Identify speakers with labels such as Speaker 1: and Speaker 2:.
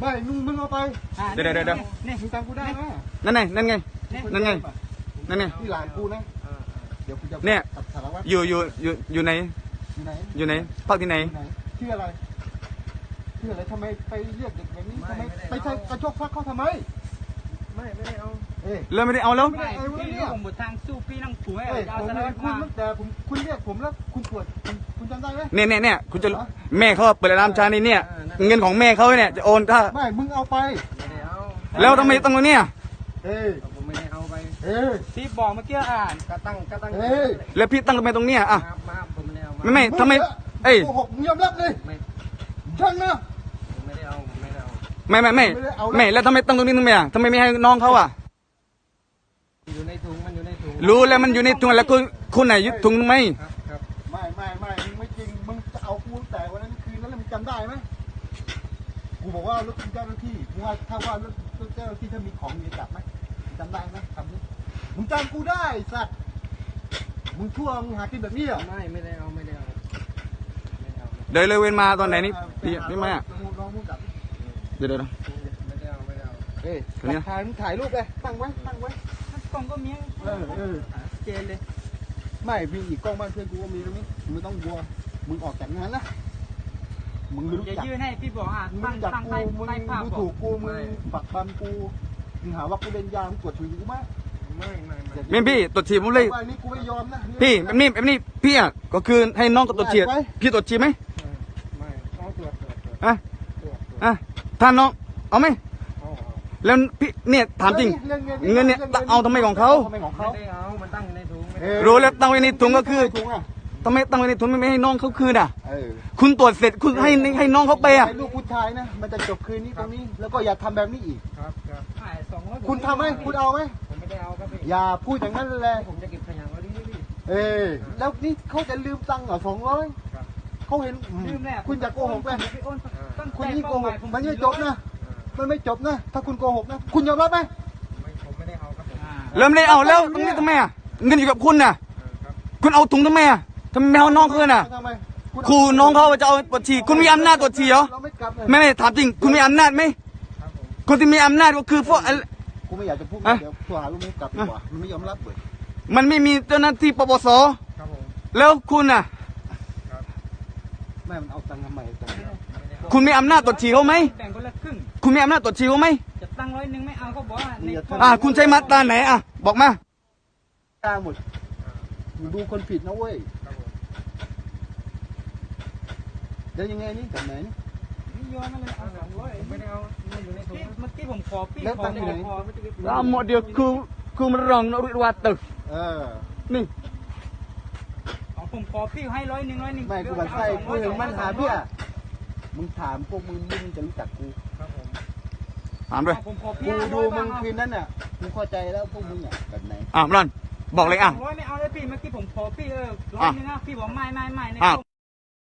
Speaker 1: ไม่มึงเอาไป
Speaker 2: เดี๋ยว
Speaker 1: นี่มึงจำกูได้ไหม
Speaker 2: นั่นไงนั่นไง
Speaker 1: ที่หลานกูนะเดี๋ยวกูจะ
Speaker 2: เนี่ย
Speaker 1: สารวัตร
Speaker 2: อยู่ไหนอยู่ไหนพักที่ไหน
Speaker 1: ชื่ออะไรทำไมไปเรียกเด็กแบบนี้ทำไมไปใช้กระโชกฟักเขาทำไม
Speaker 3: ไม่ได้เอา
Speaker 2: แล้วไม่ได้เอาแล้ว
Speaker 3: พี่ผมหมดทางสู้พี่นั่งผัวให้เอาสารวัตร
Speaker 1: คุณแต่คุณเรียกผมแล้วคุณตรวจคุณจำได้ไหม
Speaker 2: เนี่ยคุณจะแม่เขาเปิดร้านชาในเนี่ยเงินของแม่เขาเนี่ยจะโอนถ้า
Speaker 1: ไม่มึงเอาไป
Speaker 3: ไม่ได้เอา
Speaker 2: แล้วทำไมต้องเอาเนี่ย
Speaker 3: ผมไม่ได้เอาไป
Speaker 1: ที่
Speaker 3: บอกเมื่อกี้กระตั้ง
Speaker 2: แล้วพี่ตั้งทำไมตรงเนี้ยอ่ะ
Speaker 3: มาผมไม่ได้เอา
Speaker 2: ไม่ทำไม
Speaker 1: โกหกมึงยอมรับเลยช่างนะ
Speaker 3: ไม่ได้เอา
Speaker 2: ไม่แล้วทำไมตั้งตรงนี้ทำไมอ่ะทำไมไม่ให้น้องเขาอ่ะ
Speaker 3: อยู่ในถุงมันอยู่ในถุง
Speaker 2: รู้แล้วมันอยู่ในถุงแล้วคุณไหนยึดถุงไหม
Speaker 1: ครับไม่มึงไม่จริงมึงจะเอากูแต่วันนั้นคืนนั้นมึงจำได้ไหมกูบอกว่ารถเจ้าหน้าที่มึงว่าถ้าว่ารถเจ้าหน้าที่ถ้ามีของมีจับไหมจำได้ไหมคำนี้มึงจำกูได้สัตว์มึงชั่วมึงหากินแบบนี้เหรอ
Speaker 3: ไม่ได้เอา
Speaker 2: เดินเลยเว้นมาตอนไหนนี่พี่มาเดี๋ยว
Speaker 3: ไม่ได้เอา
Speaker 1: ถ่ายรูปเลยตั้งไว้
Speaker 3: กล้องก็มีเจนเลย
Speaker 1: ไม่มีอีกกล้องบ้านเพื่อนกูก็มีตรงนี้มึงไม่ต้องกลัวมึงออกจากงานนะมึงรู้จัก
Speaker 3: ยื่นให้พี่บอก
Speaker 1: ตั้งกูมึงดูถูกกูมึงปักปั๊มกูมึงหาว่ากูเล่นยามึงตรวจฉี่กูไหม
Speaker 2: ไม่พี่ตรวจฉี่ผมเลย
Speaker 1: นี่กูไม่ยอมนะ
Speaker 2: พี่แบบนี้พี่อ่ะก็คือให้น้องก็ตรวจฉี่พี่ตรวจฉี่ไหม
Speaker 3: ไม่ต้องตรวจ
Speaker 2: ถ้าน้องเอาไหมแล้วพี่เนี่ยถามจริงเงินเนี่ยเอาทำไมของเขา
Speaker 3: ไม่ได้เอามันตั้งในถุง
Speaker 2: รู้แล้วตั้งไว้ในถุงก็คือทำไมตั้งไว้ในถุงไม่ให้น้องเขาคืนอ่ะคุณตรวจเสร็จคุณให้น้องเขาไปอ่ะ
Speaker 1: ลูกผู้ชายนะมันจะจบคืนนี้ตรงนี้แล้วก็อย่าทำแบบนี้อีก
Speaker 3: ครับ
Speaker 1: คุณทำไหมคุณเอาไหม
Speaker 3: ผมไม่ได้เอาครับ
Speaker 1: อย่าพูดอย่างนั้นเลย
Speaker 3: ผมจะเก็บขยะไว้ที่นี่
Speaker 1: แล้วนี่เขาจะลืมตังค์เหรอ200เขาเห็นคุณจะโกหกไหมคุณยิ่งโกหกมันไม่จบนะมันไม่จบนะถ้าคุณโกหกนะคุณยอมรับไหม
Speaker 3: ผมไม่ได้เอาครับ
Speaker 2: เริ่มได้เอาแล้วตรงนี้ทำไมอ่ะเงินอยู่กับคุณน่ะคุณเอาถุงทำไมอ่ะทำไมเอาน้องคืนอ่ะครูน้องเขาจะเอาตรวจฉี่คุณมีอำนาจตรวจฉี่เหรอไม่ถามจริงคุณมีอำนาจไหมคนที่มีอำนาจก็คือพวก
Speaker 1: กูไม่อยากจะพูดเดี๋ยวตัวหาลูกนี้กลับดีกว่ามันไม่ยอมรับเลย
Speaker 2: มันไม่มีเจ้าหน้าที่ปปสแล้วคุณอ่ะ
Speaker 1: แม่มันเอาตังค์ทำไม
Speaker 2: คุณมีอำนาจตรวจฉี่เขาไหม
Speaker 3: แบ่งคนละครึ่ง
Speaker 2: คุณมีอำนาจตรวจฉี่เขาไหม
Speaker 3: จะตั้ง100ไม่เอาเขาบอกว่า
Speaker 2: คุณใช้มาตราไหนอ่ะบอกมา
Speaker 1: ตาหมดดูคนผิดนะเว้ยแล้วยังไงนี่แบบไหนนี่
Speaker 3: ไม่ยอมเลยเอา200ไม่ได้เอาอยู่ในถุงเมื่อกี้ผมขอพี่ขอ
Speaker 2: หมดเดียวคือมันรองนริวัตตึกนี่
Speaker 3: ผมขอพี่ให้100
Speaker 1: ไม่กูบันไส้กูเห็นมันหาพี่อะมึงถามพวกมึงจะรู้จักกู
Speaker 2: ถามด้วย
Speaker 1: กูดูมึงคืนนั้นอ่ะกูเข้าใจแล้วพวกมึงอ่ะแบบไหน
Speaker 2: รอนบอกเลย
Speaker 3: 100ไม่เอาเลยพี่เมื่อกี้ผมขอพี่100นะพี่บอกไม่